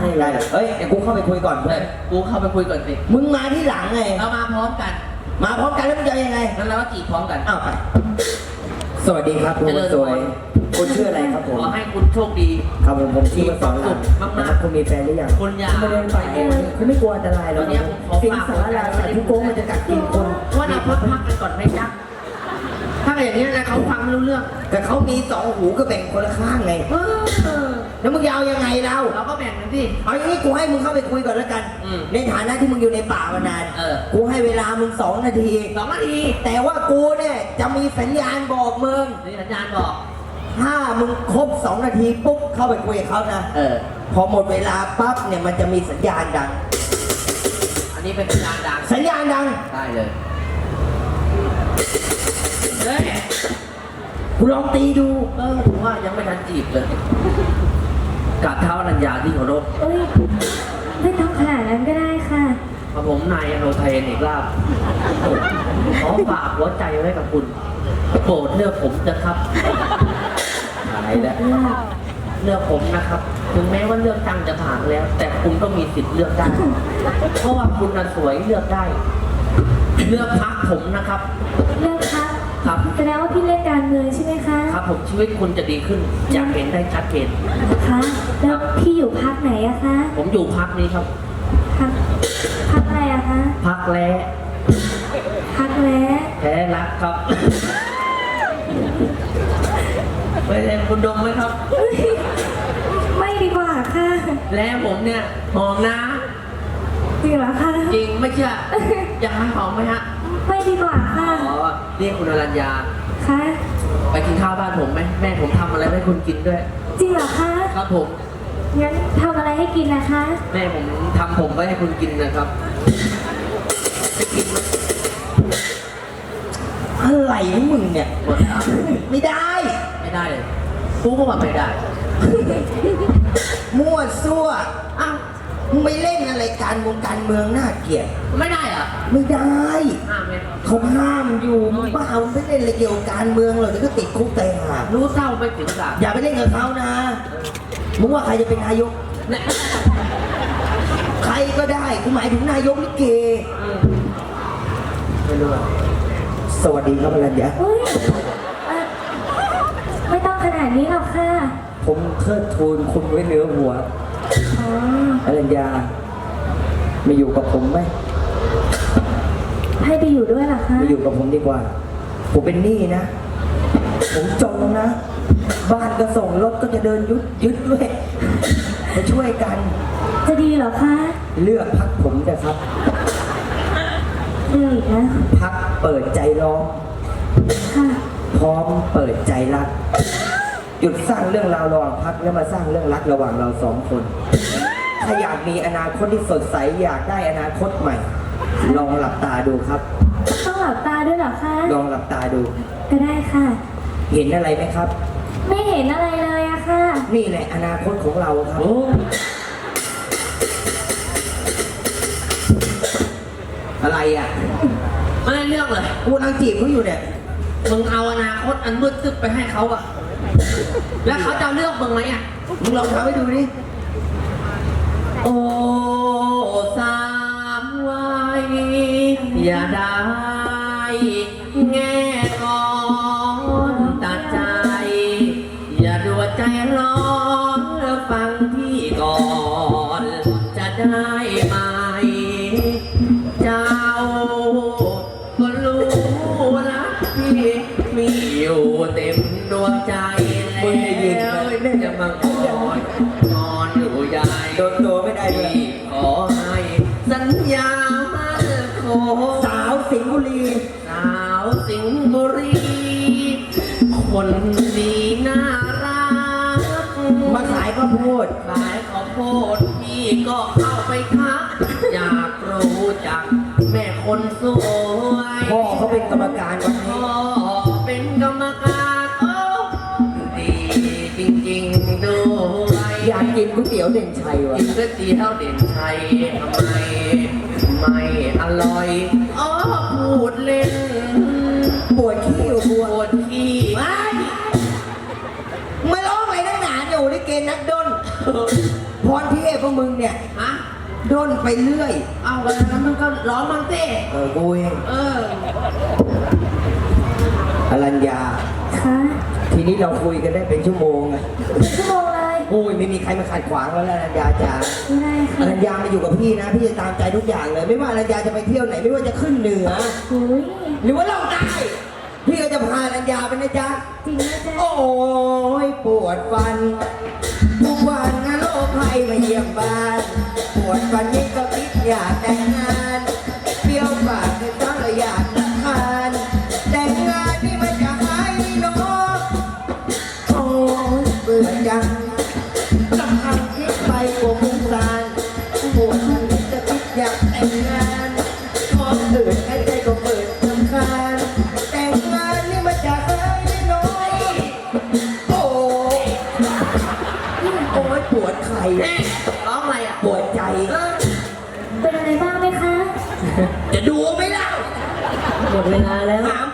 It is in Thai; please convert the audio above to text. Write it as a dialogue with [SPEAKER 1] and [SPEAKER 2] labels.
[SPEAKER 1] ได้เฮ้ยเดี๋ยวกูเข้าไปคุยก่อนเพื่อน
[SPEAKER 2] กูเข้าไปคุยก่อนสิ
[SPEAKER 1] มึงมาที่หลังไง
[SPEAKER 2] เรามาพร้อมกัน
[SPEAKER 1] มาพร้อมกันแล้วมึงจะยังไง
[SPEAKER 2] งั้นเราก็จีบพร้อมกัน
[SPEAKER 1] อ้าวไปสวัสดีครับคุณสวยคุณชื่ออะไรครับผม
[SPEAKER 2] ขอให้คุณโชคดี
[SPEAKER 1] ครับผมชื่อว่าสอนรามนะครับคุณมีแฟนหรือยัง
[SPEAKER 2] คุณยา
[SPEAKER 1] ไม่ได้ไปคุณไม่กลัวอันตรายหรอกสิงสารลาสัตว์ทุกโกงมันจะกัดกินคน
[SPEAKER 2] ว่าเราพักกันก่อนไหมจ๊ะถ้าอย่างนี้นะเขาฟังไม่รู้เรื่อง
[SPEAKER 1] แต่เขามีสองหูก็แบ่งคนละข้างไงแล้วมึงยาวยังไงเรา
[SPEAKER 2] เราก็แบ่งกันสิ
[SPEAKER 1] เอาอย่างนี้กูให้มึงเข้าไปคุยก่อนแล้วกัน ในฐานะที่มึงอยู่ในป่ามานาน กูให้เวลามึง2 นาที
[SPEAKER 2] 2 นาที
[SPEAKER 1] แต่ว่ากูเนี่ยจะมีสัญญาณบอกมึง
[SPEAKER 2] นี่สัญญาณบอก
[SPEAKER 1] ถ้ามึงครบ2 นาทีปุ๊บเข้าไปคุยกับเขานะพอหมดเวลาปั๊บเนี่ยมันจะมีสัญญาณดัง
[SPEAKER 2] อันนี้เป็นสัญญาณดัง
[SPEAKER 1] สัญญาณดัง
[SPEAKER 2] ได้เลยเฮ้ย
[SPEAKER 1] กูลองตีดู
[SPEAKER 2] ผมว่ายังไม่ทันจีบเลยกราบเท้าอนัญญาที่เคารพ
[SPEAKER 3] เอ้ยไม่ต้องขนาดนั้นก็ได้ค่ะ
[SPEAKER 2] พระผมนายอโนไทยเอกลาภขอฝากหัวใจไว้กับคุณ โปรดเลือกผมนะครับหายแล้วเลือกผมนะครับ ถึงแม้ว่าเลือกตั้งจะผ่านแล้ว แต่คุณก็มีสิทธิ์เลือกได้ เพราะว่าคุณน่ะสวยเลือกได้ เลือกพักผมนะครับ
[SPEAKER 3] เลิกครับ
[SPEAKER 2] ครับ
[SPEAKER 3] แสดงว่าพี่เล่นการเมืองใช่ไหมคะ
[SPEAKER 2] ครับผมชีวิตคุณจะดีขึ้นอยากเห็นได้ชัดเจน
[SPEAKER 3] คะแล้วพี่อยู่พักไหนอะคะ
[SPEAKER 2] ผมอยู่พักนี้ครับ
[SPEAKER 3] พักอะไรอะคะ
[SPEAKER 2] พักแล้
[SPEAKER 3] พักแล้ว
[SPEAKER 2] แท้รักครับไปเรียนคุณดมไหมครับ
[SPEAKER 3] ไม่ดีกว่าค่ะ
[SPEAKER 2] แล้วผมเนี่ยหอมนะ
[SPEAKER 3] จริงเหรอคะ
[SPEAKER 2] จริงไม่เชื่ออยากให้หอมไหมฮะ
[SPEAKER 3] ไม่ดีกว่าค่ะ
[SPEAKER 2] อ๋อเรียกคุณอรัญญา
[SPEAKER 3] คะ
[SPEAKER 2] ไปกินข้าวบ้านผมไหมแม่ผมทำอะไรให้คุณกินด้วย
[SPEAKER 3] จริงเหรอคะ
[SPEAKER 2] ครับผม
[SPEAKER 3] งั้นทำอะไรให้กินนะคะ
[SPEAKER 2] แม่ผมทำผมไว้ให้คุณกินนะครับจะกินไหม
[SPEAKER 1] อะไรของมึงเนี่ย
[SPEAKER 2] หมดครับ
[SPEAKER 1] ไม่ได้
[SPEAKER 2] ไม่ได้เลยกูก็ว่าไม่ได้
[SPEAKER 1] มั่วซั่วอ้าวมึงไม่เล่นอะไรการเมืองน่าเกลียด
[SPEAKER 2] ไม่ได้เหรอ
[SPEAKER 1] ไม่ได้
[SPEAKER 2] ห้ามไหม
[SPEAKER 1] เขาห้ามอยู่มึงบ้ามึงไม่เล่นอะไรเกี่ยวกับการเมืองหรอกเดี๋ยวก็ติดคุกแต่หา
[SPEAKER 2] รู้เศร้าไม่ถึงสา
[SPEAKER 1] อย่าไปเล่นกับเขานะมึงว่าใครจะเป็นนายก
[SPEAKER 2] เนี่ย
[SPEAKER 1] ใครก็ได้กูหมายถึงนายกลิเก
[SPEAKER 2] ไม่รู้อะ
[SPEAKER 1] สวัสดีครับอรัญญา
[SPEAKER 3] เอ้ยเอ่อไม่ต้องขนาดนี้หรอกค่ะ
[SPEAKER 1] ผมเทิดทูนคุณไว้เหนือหัว
[SPEAKER 3] อ๋อ
[SPEAKER 1] อรัญญามาอยู่กับผมไหม
[SPEAKER 3] ให้ไปอยู่ด้วยเหรอคะ
[SPEAKER 1] มาอยู่กับผมดีกว่า ผมเป็นหนี้นะ ผมจนนะ บ้านก็ส่งรถก็จะเดินยึดด้วยมาช่วยกัน
[SPEAKER 3] จะดีเหรอคะ
[SPEAKER 1] เลือกพักผมนะครับ
[SPEAKER 3] เลือกอีกนะ
[SPEAKER 1] พักเปิดใจร้อง
[SPEAKER 3] ค่ะ
[SPEAKER 1] พร้อมเปิดใจรัก หยุดสร้างเรื่องราวระหว่างพักแล้วมาสร้างเรื่องรักระหว่างเรา2 คนถ้าอยากมีอนาคตที่สดใสอยากได้อนาคตใหม่ ลองหลับตาดูครับ
[SPEAKER 3] ต้องหลับตาด้วยเหรอคะ
[SPEAKER 1] ลองหลับตาดู
[SPEAKER 3] ก็ได้ค่ะ
[SPEAKER 1] เห็นอะไรไหมครับ
[SPEAKER 3] ไม่เห็นอะไรเลยอะค่ะ
[SPEAKER 1] นี่แหละอนาคตของเราครับ
[SPEAKER 2] โอ้
[SPEAKER 1] อะไรอ่ะ
[SPEAKER 2] ไม่ได้เรื่องเลย
[SPEAKER 1] กูกำลังจีบเขาอยู่เนี่ย
[SPEAKER 2] มึงเอาอนาคตอันมืดตึ๊บไปให้เขาอะแล้วเขาจะเลือกมึงไหมอะ
[SPEAKER 1] มึงลองทำให้ดูดิ
[SPEAKER 2] โอ้สามวัยอย่าได้แง่งอนตัดใจ อย่าดัวใจร้อนฟังพี่ก่อน จะได้ไหม เจ้าก็รู้นะพี่มีอยู่เต็มดวงใจแล้วจะมางอนนอนอยู่ใหญ่
[SPEAKER 1] โดนตัวไม่ได้เลย
[SPEAKER 2] ขอให้สัญญามั่นคง
[SPEAKER 1] สาวสิงห์บุรี
[SPEAKER 2] สาวสิงห์บุรี คนดีน่ารัก
[SPEAKER 1] มาขายข้าวโพด
[SPEAKER 2] ขายข้าวโพดพี่ก็เข้าไปทัก อยากรู้จักแม่คนสวย
[SPEAKER 1] พ่อเขาเป็นกรรมการวันนี้
[SPEAKER 2] พ่อเป็นกรรมการโอ้ดีจริงๆด้วย
[SPEAKER 1] อยากกินก๋วยเตี๋ยวเด่นชัยวะ
[SPEAKER 2] กินก๋วยเตี๋ยวเด่นชัยทำไมไม่อร่อยอ๋อพูดเล่น
[SPEAKER 1] ปวดขี้อยู่ปว
[SPEAKER 2] ปว
[SPEAKER 1] ด
[SPEAKER 2] ดขี้
[SPEAKER 1] ไม่ร้องอะไรนักหนาอยู่ในเกณฑ์นักดนผพรเทพพวกมึงเนี่ย
[SPEAKER 2] ฮะ
[SPEAKER 1] ด้นไปเรื่อย
[SPEAKER 2] เอากันแล้วมึงก็ร้องมั่งสิ
[SPEAKER 1] กูเอง
[SPEAKER 2] เออ
[SPEAKER 1] อรัญญา
[SPEAKER 3] คะ
[SPEAKER 1] ทีนี้เราคุยกันได้เป็นชั่วโมงอะ
[SPEAKER 3] เป็นชั่วโมงเลย
[SPEAKER 1] โอ้ยไม่มีใครมาขัดขวางแล้วนะอรัญญาจ๋า
[SPEAKER 3] ไม่ได้
[SPEAKER 1] อ
[SPEAKER 3] ค่ะ
[SPEAKER 1] รัญญามาอยู่กับพี่นะ พี่จะตามใจทุกอย่างเลย ไม่ว่าอรัญญาจะไปเที่ยวไหน ไม่ว่าจะขึ้นเหนือ
[SPEAKER 3] อุ้ย
[SPEAKER 1] หรือว่าลงใต้พี่ก็จะพาอรัญญาไปนะจ๊ะ
[SPEAKER 3] จริงนะจ๊ะ
[SPEAKER 1] โอ้ยปวดฟันทุกวันนะโรคภัยมาเยี่ยมบ้าน ปวดฟันยิ่งก็คิดอยากแต่งงานเปรี้ยวปากเลยตั้งอยากทานแต่งงานนี่มันจะหายเนาะโอ้ยเบื่อจังลำพังคิดไปกว่ามุงซานปวดฟันยิ่งจะคิดอยากแต่งงานท้องอืดหายใจก็เปิดลำคาญแต่งงานนี่มันจะหายเนาะ โอ้ยโอ้ยปวดไข่
[SPEAKER 2] แม่ร้องอะไรอ่ะ
[SPEAKER 1] ปวดใจ
[SPEAKER 2] เออ
[SPEAKER 3] เป็นอะไรบ้างไหมคะ
[SPEAKER 2] จะดูไหมเล่า
[SPEAKER 4] หมดเวลาแล้ว
[SPEAKER 1] หา